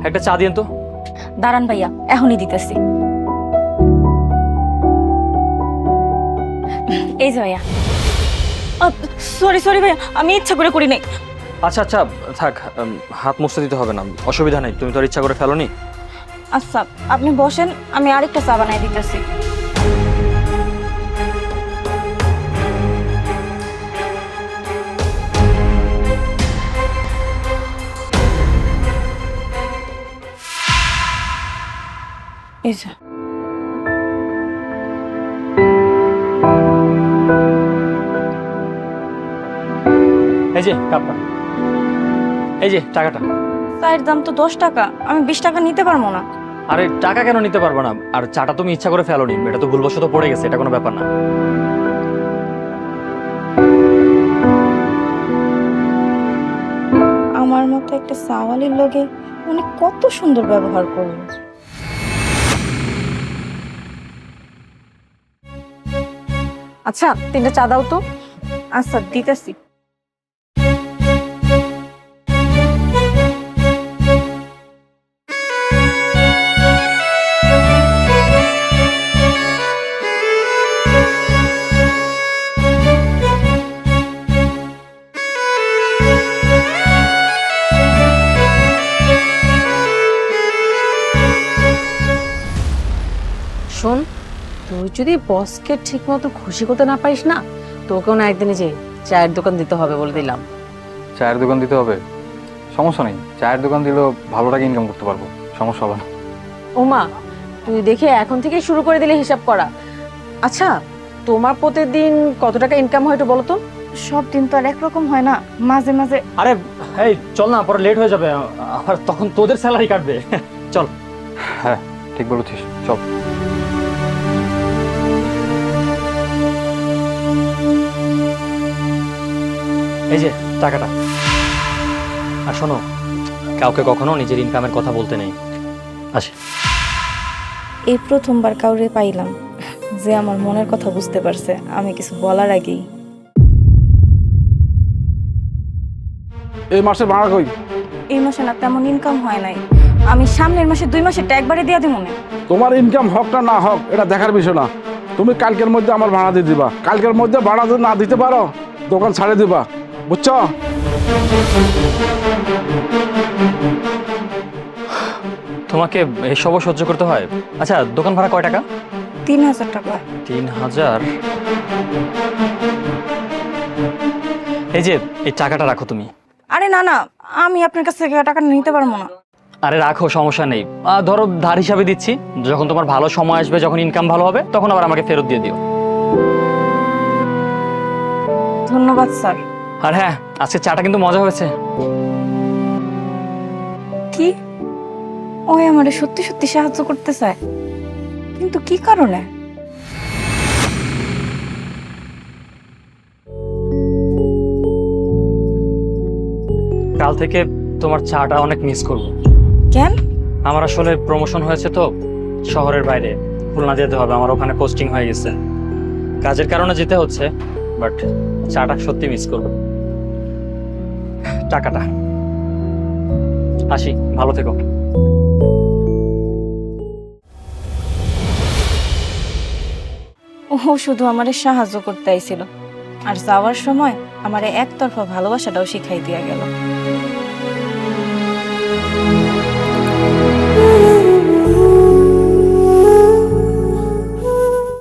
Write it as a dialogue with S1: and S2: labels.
S1: একটা চা দিন তো।
S2: দাঁড়ান ভাইয়া, এখনই দিতেছি। এই যে ভাইয়া। সরি সরি ভাইয়া, আমি ইচ্ছা করে করি নাই।
S1: আচ্ছা আচ্ছা থাক, হাত মুছতে দিতে হবে না, অসুবিধা নেই, তুমি তো আর ইচ্ছা করে ফেলোনি।
S2: আচ্ছা আপনি বসেন, আমি আরেকটা চা বানাই দিতেছি। এই যে
S1: এই যে কাপটা, এই যে টাকাটা।
S2: চায়ের দাম তো 10 টাকা, আমি 20 টাকা নিতে পারবো না।
S1: আরে টাকা কেন নিতে পারবো না? আর চাটা তুমি ইচ্ছা করে ফেলোনি, এটা তো ভুলবশত পড়ে গেছে, এটা কোনো ব্যাপার না।
S2: আমার মতো একটা সাওয়ালির লগে উনি কত সুন্দর ব্যবহার করলো। আচ্ছা 3টা চা দাও তো। আচ্ছা দিতেছি।
S3: শোন, তুই যদি বসকে ঠিক মতো খুশি করতে না পারিস না, তোকেও না একদিনই যে চায়ের দোকান দিতে হবে বলে দিলাম।
S4: চায়ের দোকান দিতে হবে? সমস্যা নেই, চায়ের দোকান দিলেও ভালো টাকা ইনকাম করতে পারবো, সমস্যা হবে না।
S3: ওমা, তুই দেখে এখন থেকে শুরু করে দিলে হিসাব করা। আচ্ছা, তোমার প্রতিদিন কত টাকা ইনকাম হয় একটু বলো তো?
S2: সব দিন তো আর একরকম হয় না, মাঝে মাঝে।
S1: আরে এই চল না, পরে লেট হয়ে যাবে, আবার তখন তোদের স্যালারি কাটবে। চল।
S4: হ্যাঁ ঠিক বলেছিস, চল।
S1: এই যে টাকাটা। আর শোনো, কাউকে কখনো নিজের ইনকামের কথা বলতে নেই। আসি।
S2: এই প্রথমবার কাউরে পাইলাম যে আমার মনের কথা বুঝতে পারছে আমি কিছু বলার আগেই।
S5: এই মাসের ভাড়া কই?
S2: এই মাসে না তেমন ইনকাম হয় নাই, আমি সামনের মাসে 2 মাসের একবারে দিয়ে দিব মনে।
S5: তোমার ইনকাম হোক না না হোক এটা দেখার বিষয় না, তুমি কালকের মধ্যে আমার ভাড়া দিয়ে দিবা। কালকের মধ্যে ভাড়া যদি না দিতে পারো দোকান ছাড়ে দিবা, বুঝছো?
S1: তোমাকে এসবও সহ্য করতে হয়? আচ্ছা দোকান ভাড়া কয় টাকা?
S2: 3000 টাকা।
S1: 3000? এই যে এই টাকাটা রাখো তুমি।
S2: আরে না না, আমি আপনার কাছ থেকে টাকা নিতে পারবো না।
S1: আরে রাখো, সমস্যা নেই। ধরো ধার হিসাবে দিচ্ছি, যখন তোমার ভালো সময় আসবে, যখন ইনকাম ভালো হবে, তখন আবার আমাকে ফেরত দিয়ে দিও।
S2: ধন্যবাদ স্যার।
S1: আর হ্যাঁ, আজকে চাটা কিন্তু মজা হয়েছে।
S2: কি ওই আমারে সত্যি সত্যি সাহায্য করতে চায়, কিন্তু কি কারণে?
S1: কাল থেকে তোমার চাটা অনেক মিস করবো।
S2: কেন?
S1: আমার আসলে প্রমোশন হয়েছে তো শহরের বাইরে, খুলনা যেতে হবে, আমার ওখানে পোস্টিং হয়ে গেছে, কাজের কারণে যেতে হচ্ছে, বাট চাটা সত্যি মিস করবো। টাকাটা। আসি, ভালো থেকো।
S2: ও শুধু আমারে সাহায্য করতে আইছিল, আর যাওয়ার সময় আমারে একতরফা ভালোবাসাটাও শিখাই দিয়া গেল।